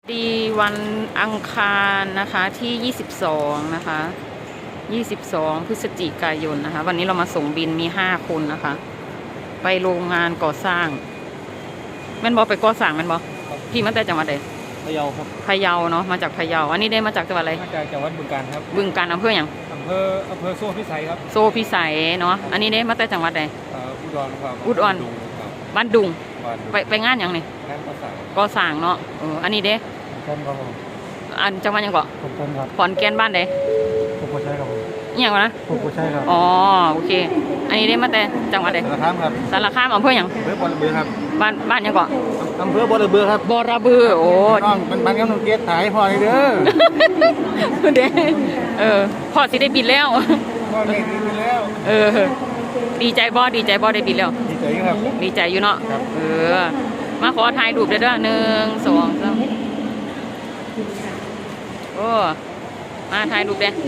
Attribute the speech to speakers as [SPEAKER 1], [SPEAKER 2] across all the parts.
[SPEAKER 1] ดีวันอังคารนะคะที่22นะคะ22พฤศจิกายนนะคะวันนี้เรามาส่งบินมี5คนนะคะไปโรงงานก่อสร้างแม่นบอไปก่อสร้างแม่นบอพี่มาแต่จังหวัดใด
[SPEAKER 2] พะเยาครับ
[SPEAKER 1] พะเยาเนาะมาจากพะเยาอันนี้ได้มาจากจังหวัดอะไร
[SPEAKER 2] มาจากจังหวัดบึงกาฬครับ
[SPEAKER 1] บึงกาฬอำเภออย่าง
[SPEAKER 2] อำเภอโซ่พิสัยครับ
[SPEAKER 1] โซพิสัยเนาะอันนี้ได้มาแต่จังหวัดใด
[SPEAKER 2] อุดรครับ
[SPEAKER 1] อุดรบ้านดุงไปงานอย่างนี้
[SPEAKER 2] งาน
[SPEAKER 1] ก่อสร้างเนาะอันนี้เด้
[SPEAKER 2] ผมครับ
[SPEAKER 1] อันจังหวัดยังเกาะ
[SPEAKER 2] ผมครับ
[SPEAKER 1] ขอนแก่นบ้านใด
[SPEAKER 2] ผมก็ใช่ครับ
[SPEAKER 1] อย่างวะนะ
[SPEAKER 2] ผมก็ใช่ครับ
[SPEAKER 1] อ๋อโอเคอันนี้ได้มาแต่จังหวัดใด
[SPEAKER 2] สารคามครับ
[SPEAKER 1] สารคามอำเภออย่าง
[SPEAKER 2] อำเภอบอระเบือครับ
[SPEAKER 1] บ้านยังเกาะ
[SPEAKER 2] อำเภอบอระเบือครับ
[SPEAKER 1] บอระบือโอ้
[SPEAKER 2] น้องมันกำลังเกตถ่ายพอเลยเด้
[SPEAKER 1] อเด้พ่อสิได้บินแล้ว
[SPEAKER 2] พ่อได้บินแล้ว
[SPEAKER 1] ดีใจบ่ได้บินแล้ว
[SPEAKER 2] ดีใจครับ
[SPEAKER 1] ดีใจอยู่เนาะมาขอถ่ายรูปเด้อ1 2 3โอ้มาถ่ายรูปเด้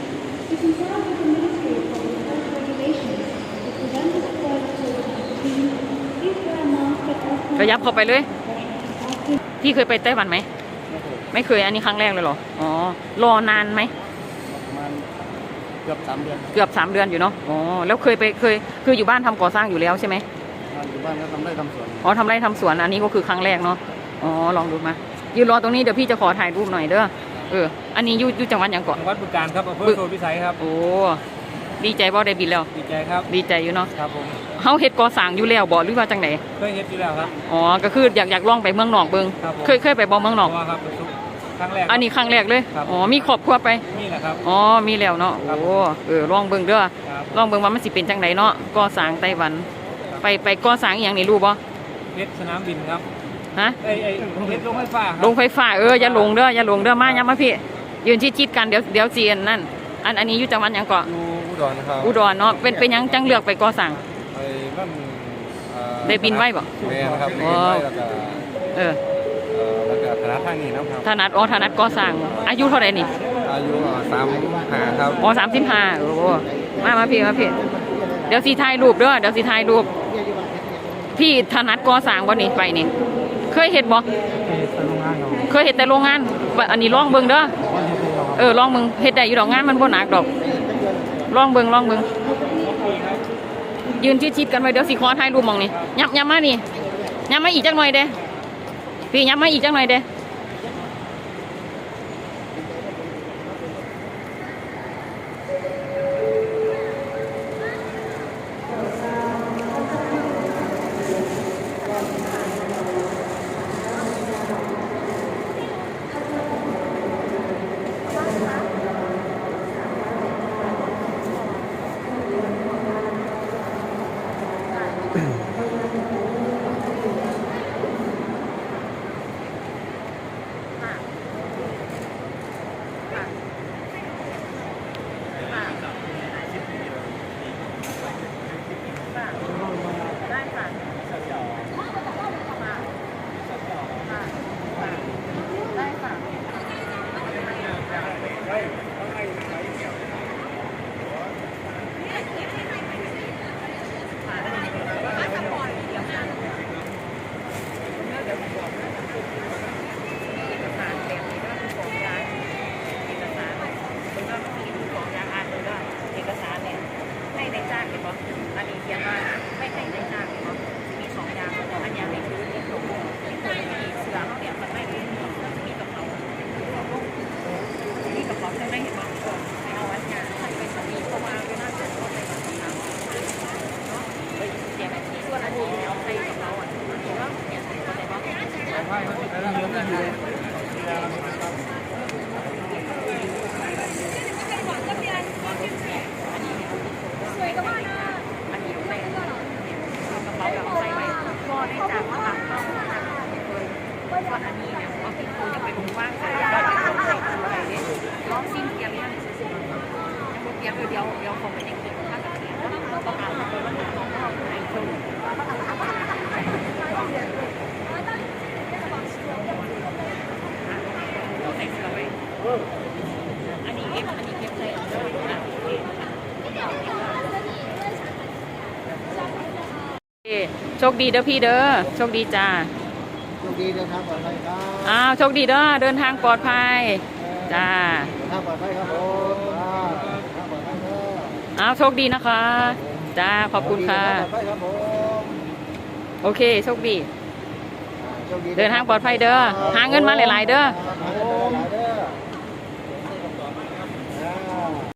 [SPEAKER 1] ก็ยับเข้าไปเลยพี่เคยไปไต้หวันไหมไม่เคยอันนี้ครั้งแรกเลยเหรออ๋อรอนานไหม
[SPEAKER 2] ประมาณเกือบ3 เดือน
[SPEAKER 1] อยู่เนาะอ๋อแล้วคืออยู่บ้านทำก่อสร้างอยู่แล้วใช่ไหม
[SPEAKER 2] อยู่บ้านก็ทำไร่ทำสวน
[SPEAKER 1] อ๋อทำไร่ทำสวนอันนี้ก็คือครั้งแรกเนาะอ๋อลองดูมายืนรอตรงนี้เดี๋ยวพี่จะขอถ่ายรูปหน่อยเด้ออันนี้อยู่จังหวัดอย่างเกาะ
[SPEAKER 2] จังหวัดบึงกาฬครับอำเภอโซ่พิสัยครับ
[SPEAKER 1] โอ้ดีใจบ่ได้บินแล้ว
[SPEAKER 2] ดีใจครับ
[SPEAKER 1] ดีใจอยู่เนาะ
[SPEAKER 2] ครับผม
[SPEAKER 1] เฮาเฮ็ดก่อสร้างอยู่แล้วบ่หรือว่าจังได๋
[SPEAKER 2] เคยเฮ็ดอยู่แล้วครับ
[SPEAKER 1] อ๋อก็คืออยากลองไปเมืองนอกเบิ่งเคยไปบ่เมืองนอก
[SPEAKER 2] ครับครั้งแรก
[SPEAKER 1] อันนี้ครั้งแรกเลยอ๋อมีครอบครัวไป
[SPEAKER 2] มีแหละครับ
[SPEAKER 1] อ๋อมีแล้วเนาะโอ้ลองเบิ่งเด้อลองเบิ่งว่ามันสิเป็นจังไดเนาะก่อสร้างไต้หวันไปก่อสร้างอีหยังนี่รู้บ่
[SPEAKER 2] เฮ็ดสนามบินครับ
[SPEAKER 1] ฮะ
[SPEAKER 2] เฮ็ดโรงไฟฟ้า
[SPEAKER 1] โรงไฟฟ้าอย่าลงเด้อมาอย่ามาพี่ยืนชิดๆกันเดี๋ยวจีนนั่นอันนี้อยู่จังหวัดหยังเกาะ
[SPEAKER 2] อุดรครับ
[SPEAKER 1] อุดรเนาะเป็นหยังจังเลือกไปก่อสร้างได้บินไว้บ่
[SPEAKER 2] แม่นะครับ
[SPEAKER 1] อ๋อ
[SPEAKER 2] แล้วก็ถนัดทางนี้นะครับ
[SPEAKER 1] ถนัดก่อสร้างอายุเท่าไหร่นี่
[SPEAKER 2] อายุ35ครับ
[SPEAKER 1] อ๋อ35โอ้มาพี่เดี๋ยวสิถ่ายรูปเด้อพี่ถนัดก่อสร้างบ่นี่ไปนี่เคยเฮ็ดบ่เคยเฮ็ดแต่โรงงานอันนี้ลองเบิ่งเด้อลองเบิ่งเฮ็ดได้อยู่ดอกงานมันบ่หนักดอกลองเบิ่งยืนชิดๆกันไว้เดี๋ยวสิขอถ่ายรูปมองนี่ยับมานี่ยับมาอีกจักหน่อยเด้พี่ยับมาอีกจักหน่อยเด้เดี๋ยวคงไปเด็กๆถ้ากับเสียงแล้วก็การเป็นวันของเราในช่วงอันนี้เก็บเลยโชคดีเด้อพี่เด้อโชคดีจ้า
[SPEAKER 3] คดีเดินทางปลอดภัยครับ
[SPEAKER 1] อ้าวโชคดีเด้อเดินทางปลอดภัยจ้า
[SPEAKER 3] เดินทางปลอดภัยครับผมเดินทางปลอดภัยครับ
[SPEAKER 1] อ้าวโชคดีนะคะจ้าขอบคุณค่ะ
[SPEAKER 3] เดินทางปลอดภัยครับผม
[SPEAKER 1] โอเคโชคดี
[SPEAKER 3] โชค
[SPEAKER 1] เดินทางปลอดภัยเด้อหาเงินมาหลายๆเด้อ
[SPEAKER 3] หาเงินมาหลาย